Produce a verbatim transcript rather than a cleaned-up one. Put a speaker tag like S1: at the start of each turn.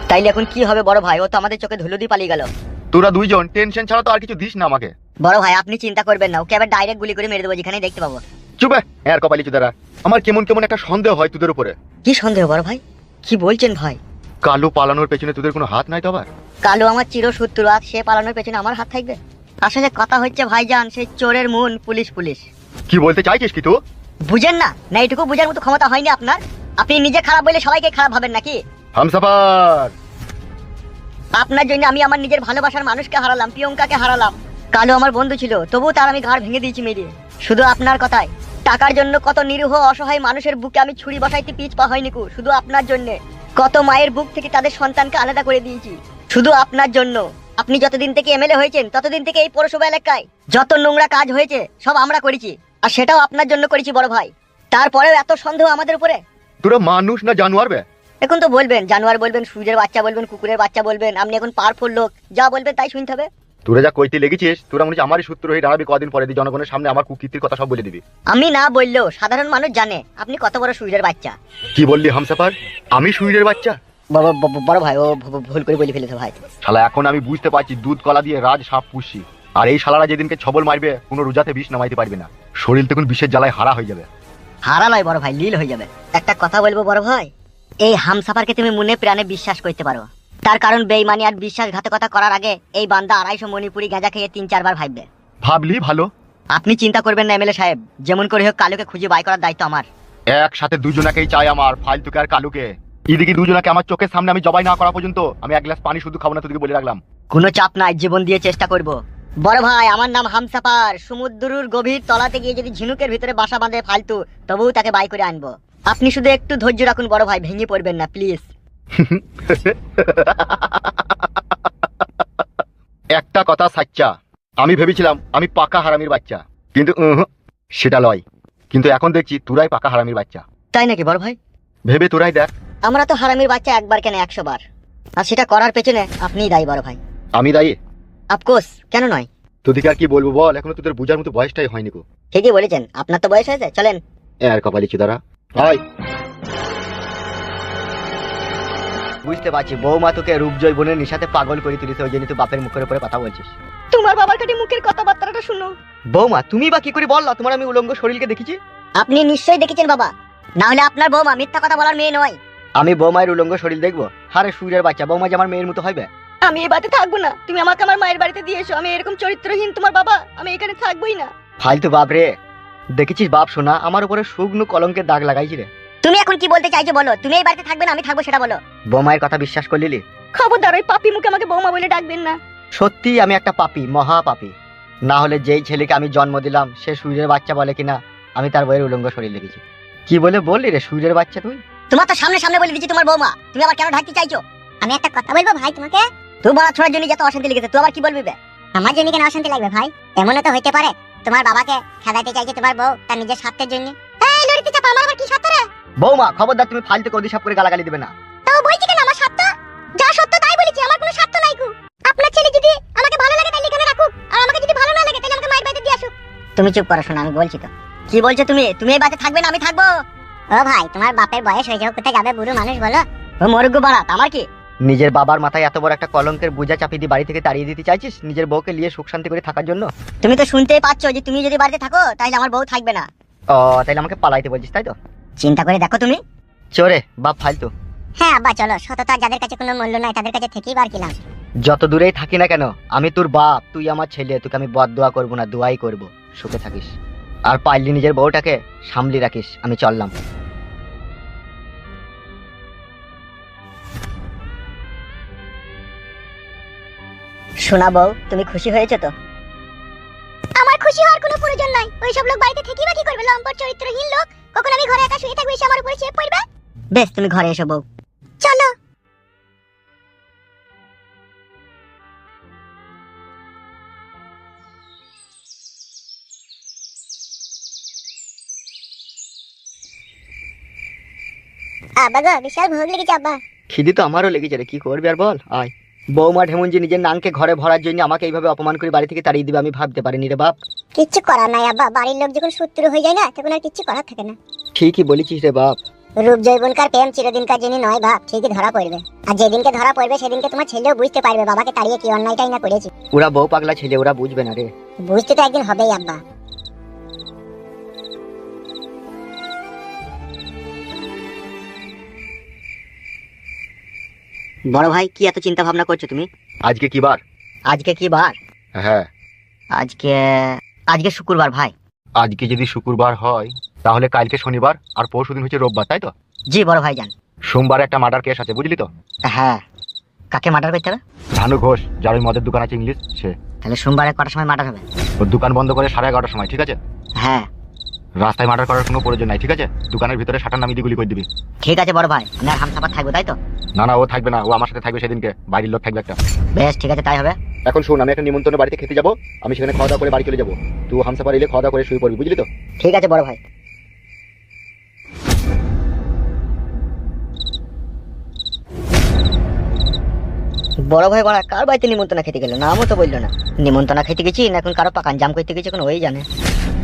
S1: তাইলে এখন কি হবে বড় ভাই? ও তো আমাদের চোখে ধুলো দিয়ে পালিয়ে গেল।
S2: তোরা দুইজন টেনশন ছাড়া তো আর কিছু দিস না আমাকে।
S1: বড় ভাই আপনি চিন্তা করবেন না, ওকে আবার ডাইরেক্ট গুলি করে মেরে দেবো যেখানে দেখতে পাবো।
S2: চুপে এর কপালি চুদারা, আমার কেমন কেমন একটা সন্দেহ হয় তোদের উপরে।
S1: কি সন্দেহ বড় ভাই? কি বলছেন ভাই?
S2: কালু পালানোর পেছনে তোদের কোনো হাত নাই তো? আবার
S1: কালু আমার চিরশত্রু, আর সে পালানোর পেছনে আমার হাত থাকবে? আসলে কথা হচ্ছে ভাইজান, সেই চোরের মন পুলিশ পুলিশ।
S2: কি বলতে চাইছিস কি তুই?
S1: বুঝেন না? না এইটুকু বুঝার মতো ক্ষমতা হয়নি আপনার? আপনি নিজে খারাপ বলে সবাইকে খারাপ ভাবেন নাকি?
S2: হামসাফার,
S1: আপনার জন্য আমি আমার নিজের ভালোবাসার মানুষকে হারালাম, প্রিয়ঙ্কাকে হারালাম। কালো আমার বন্ধু ছিল, তবুও তার আমি ঘাড় ভেঙে দিয়েছি মেরে। শুধু আপনার কথায় টাকার জন্য কত নিরীহ অসহায় মানুষের বুকে আমি ছুরি বসাইতে পিছ পা হয়নি কু। শুধু আপনার জন্য কত মায়ের বুক থেকে তাদের সন্তানকে আলাদা করে দিয়েছি, শুধু আপনার জন্য। আপনি যতদিন থেকে এমএলএ হয়েছেন ততদিন থেকে এই পৌরসভা এলাকায় যত নোংরা কাজ হয়েছে সব আমরা করেছি, আর সেটাও আপনার জন্য করেছি বড় ভাই। তারপরেও এত সন্দেহ আমাদের উপরে?
S2: তোরা মানুষ না জানোয়ার বে?
S1: এখন তো বলবেন জানোয়ার বলবেন, সূর্যের বাচ্চা বলবেন, কুকুরের বাচ্চা বলবেন, আপনি এখন পাওয়ারফুল লোক, যা বলবেন তাই শুনতে হবে।
S2: তোরা যা কইতে লেগেছিস, তোরা মনে হচ্ছে আমারই সূত্র হয়ে দাঁড়াবি কদিন পরে, দিয়ে জনগণের সামনে আমার কুকীর্তির কথা সব বলে দিবি।
S1: আমি না বললেও সাধারণ মানুষ জানে আপনি কত বড় সূর্যের বাচ্চা।
S2: কি বললি হামসাফার? আমি সূর্যের বাচ্চা?
S1: বড় বড়- বড় ভাই ও ভু- ভুল করে বলে ফেলেছে ভাই।
S2: শালা এখন আমি বুঝতে পারছি দুধ কলা দিয়ে রাজ সাপ পুষি, আর এই শালারা যেদিনকে ছবল মারবে কোনো রোজাতে বিষ নামাইতে পারবে না, শরীর তখন বিষের জ্বালায় হারা হয়ে যাবে।
S1: হারা নয় বড় ভাই, লীল হয়ে যাবে। একটা কথা বলবো বড় ভাই, এই হামসাফারকে তুমি মনে প্রাণে বিশ্বাস করতে পারো, তার কারণ বেইমানি আর বিশ্বাসঘাতকতা করার আগে এই বান্দা আড়াইশো মণিপুরি গাঁজা খেয়ে তিন চারবার ভাববে।
S2: ভাবলি ভালো।
S1: আপনি চিন্তা করবেন না এমএলএ সাহেব, যেমন করে হোক কালুকে খুঁজে বাই করার দায়িত্ব আমার।
S2: একসাথে দুজনাকেই চাই আমার, ফালতুকে আর কালুকে। এদিকে দুজনাকে আমার চোখের সামনে আমি জবাই না করা পর্যন্ত আমি এক গ্লাস পানি শুধু খাবো না, তোদেরকে বলে রাখলাম।
S1: কোনো চাপ নাই, জীবন দিয়ে চেষ্টা করব। বড় ভাই আমার নাম হামসাফার, সমুদ্রের গভীর তলাতে গিয়ে যদি ঝিনুকের ভিতরে বাসা বাঁধে ফালতু, তবুও তাকে বাই করে আনবো। আপনি শুধু একটু ধৈর্য রাখুন বড় ভাই, ভেঙে পড়বেন না প্লিজ।
S2: একটা কথা সাচ্চা, আমি ভেবেছিলাম আমি পাকা হারামির বাচ্চা, কিন্তু উহু, সেটা লয়। কিন্তু এখন দেখছি তোরাই পাকা হারামির বাচ্চা।
S1: তাই নাকি বড় ভাই?
S2: ভেবে তোরাই দেখ।
S1: আমরা তো হারামির বাচ্চা একবার কেন একশো বার, আর সেটা করার পেছনে আপনিই দায়ী বড় ভাই।
S2: আমি দায়ী?
S1: আফকোর্স, কেন নয়?
S2: তোদেরকে আর কি বলবো বল, এখনো তোদের বুঝার মতো বয়সটাই হয়নি গো।
S1: ঠিকই বলেছেন, আপনার তো বয়স হয়েছে, চলেন।
S2: আর কপালি চুদারা হয়। বুঝতে পারছি বৌমা তোকে রূপজয় বোনের নিশাতে পাগল করে তুলিস, ওই জন্য তুই বাপের মুখের উপরে কথা বলছিস।
S1: তোমার বাবার কাছে মুখের কথাবার্তাটা শুনো।
S2: বৌমা তুমি বা কি করে বললা তোমার আমি উলঙ্গ শরীরকে দেখেছি?
S1: আপনি নিশ্চয়ই দেখেছেন বাবা, না হলে আপনার বৌমা মিথ্যা কথা বলার মেয়ে নয়।
S2: আমি বৌমায়ের উলঙ্গ শরীর দেখবো? হারে সূর্যের বাচ্চা, বৌমা যে আমার মেয়ের মতো হইবে?
S1: আমি এই বাড়িতে থাকবো না, তুমি আমাকে আমার মায়ের বাড়িতে দিয়ে এসো। আমি এরকম চরিত্রহীন তোমার বাবা, আমি এখানে থাকবোই না।
S2: ফালতু বাপ রে, দেখেছিস বাপ শোনা আমার উপরে শুকনো কলঙ্কের দাগ লাগাইছি রে।
S1: তুমি এখন কি বলতে চাইছো বলো? তুমি এই বাড়িতে থাকবে না, আমি থাকবো সেটা বলো।
S2: বৌমায়ের কথা বিশ্বাস করলি?
S1: খবরদার ওই পাপি মুখে আমাকে বৌমা বলে ডাকবেন না।
S2: সত্যি আমি একটা পাপী, মহা পাপী। না হলে যেই ছেলেকে আমি জন্ম দিলাম সে সূর্যের বাচ্চা বলে কিনা আমি তার বইয়ের উলঙ্গ শরীর দেখেছি। কি বলে বললি রে সূর্যের বাচ্চা তুই?
S1: তোমার তো সামনে সামনে বলে দিচ্ছি তোমার বৌমা, তুমি আবার কেন ঢাকতে চাইছো?
S3: আমি একটা কথা বলবো ভাই তোমাকে।
S1: তোমার ছোড়ার জন্য যত অশান্তি লেগেছে, তুই আবার কি বলবি বে?
S3: আমার জন্য কেন অশান্তি লাগবে ভাই? এমনও তো হইতে পারে তোমার বাবাকে খেলাইতে চাইছে তোমার বউ তার নিজের স্বার্থের জন্য। এই লড়িতে চাপা, আমার আবার কি স্বার্থ রে?
S2: বৌমা খবরদার, তুমি ফালতু কদি সব করে গালাগালি দিবে না।
S3: তাও বলছি কেন আমার স্বার্থ? যা সত্য তাই বলেছি, আমার কোনো স্বার্থ নাই কু। আপনার ছেলে যদি আমাকে ভালো লাগে তাহলে এখানে রাখুক, আর আমাকে যদি ভালো না লাগে তাহলে আমাকে মায়ের বাড়িতে দিয়ে আসুক।
S1: তুমি চুপ করো, শোনো আমি বলছি তো। কি বলছো তুমি? তুমি এই বাড়িতে থাকবে না, আমি থাকবো।
S3: ও ভাই তোমার বাপের বয়স হয়ে যাও, কোথায় যাবে বুড়ো মানুষ বলো?
S1: ও মরগ্য বাড়াত, আমার কি?
S2: নিজের বাবার মাথায় এত বড় একটা কলঙ্কের বোঝা চাপিয়ে দিয়ে বাড়ি থেকে তাড়িয়ে দিতে চাইছিস নিজের বউকে নিয়ে সুখ শান্তি করে থাকার জন্য?
S1: তুমি তো শুনতেই পাচ্ছ যে তুমি যদি বাড়িতে থাকো তাহলে আমার বউ থাকবে না।
S2: ও তাইলে আমাকে পালাইতে বলছিস তাই তো?
S1: চিন্তা করে দেখো তুমি।
S2: চোরে বাপ ফালতু।
S3: হ্যাঁ আব্বা চলো, সততা যাদের কাছে কোনো মূল্য নাই তাদের কাছে থেকেই বার কিলাম।
S2: যত দূরেই থাকি না কেন আমি তোর বাপ, তুই আমার ছেলে, তোকে আমি বদদোয়া করবো না, দোয়াই করব, সুখে থাকিস। আর পারলি নিজের বউটাকে সামলি রাখিস। আমি চললাম।
S1: শোনা বউ, তুমি খুশি হয়েছো তো?
S3: আমার খুশি হওয়ার কোনো প্রয়োজন নাই। ওই সব লোক বাড়িতে থেকেই বা কি করবে? লম্পট চরিত্রহীন লোক। কখন আমি ঘরে একা শুয়ে থাকবো এসে আমার উপরে চেপ পড়বে?
S1: বেশ, তুমি ঘরে এসো বউ।
S3: চলো। আব্বা গো, বিশাল ভোগ লেগেছে আব্বা।
S2: খিদি তো আমারও লেগেছে রে, কি করবি আর বল। আয়। বৌমা ঢেমন যে নিজের নানকে ঘরে ভরার জন্য আমাকে এইভাবে অপমান করে বাড়ি থেকে তাড়িয়ে দিবে আমি ভাবতে পারিনি রে বাপ।
S3: কিচ্ছু করার নাই আব্বা, বাড়ির লোক যখন শত্রু হয়ে যায় না তখন আর কিচ্ছু করার থাকে না।
S2: ঠিকই বলেছিস রে বাপ।
S3: রূপ জৈবনকার প্রেম চিরদিনকার যিনি নয় বাপ, ঠিকই ধরা পড়বে। আর যেদিনকে ধরা পড়বে সেদিনকে তোমার ছেলেও বুঝতে পারবে বাবাকে তাড়িয়ে কি অন্যায়টাই না করেছি।
S2: ওরা বউ পাগলা ছেলে, ওরা বুঝবে না রে।
S3: বুঝতে তো একদিন হবেই আব্বা।
S1: বড় ভাই কি এত চিন্তা ভাবনা করছো তুমি?
S2: আজকে কি বার?
S1: আজকে কি বার?
S2: হ্যাঁ,
S1: আজকে আজকে শুক্রবার ভাই।
S2: আজকে যদি শুক্রবার হয় তাহলে কালকে শনিবার আর পরশু দিন হচ্ছে রোববার, তাই তো?
S1: জি বড় ভাই যান।
S2: সোমবার একটা মার্ডার কেস আছে, বুঝলি তো?
S1: হ্যাঁ, কাকে মার্ডার করতে হবে?
S2: ধানু ঘোষ, যার ওই মদের দোকান আছে ইংলিশ, সে।
S1: তাহলে সোমবারে কটার সময় মার্ডার হবে?
S2: ওর দোকান বন্ধ করে সাড়ে এগারোটার সময়, ঠিক আছে?
S1: হ্যাঁ
S2: রাস্তায় মার্ডার করার কোনো প্রয়োজন নাই, ঠিক আছে? দোকানের ভিতরে শাটার নামিয়ে দিয়ে গুলি করে দিবি।
S1: ঠিক আছে বড় ভাই, আমি আর হামসাফার থাকবো তাই তো?
S2: না না, ও থাকবে না, ও আমার সাথে থাকবে সেদিনকে, বাইরের লোক থাকবে একটা।
S1: বেশ ঠিক আছে তাই হবে।
S2: এখন শোন, আমি একটা নিমন্ত্রণ বাড়িতে খেতে যাবো, আমি সেখানে খাওয়া দাওয়া করে বাড়ি চলে যাবো। তুই হামসাফার এলে খাওয়া দাওয়া করে শুয়ে পড়বি, বুঝলি তো?
S1: ঠিক আছে বড় ভাই। বড় ভাই বড়া কার বাড়িতে নিমন্ত্রণ খেতে গেল? নামও তো বললো না। নিমন্ত্রণ খেতে গেছি না এখন কারো পাকান জাম করতে গেছি, এখন ওই জানে।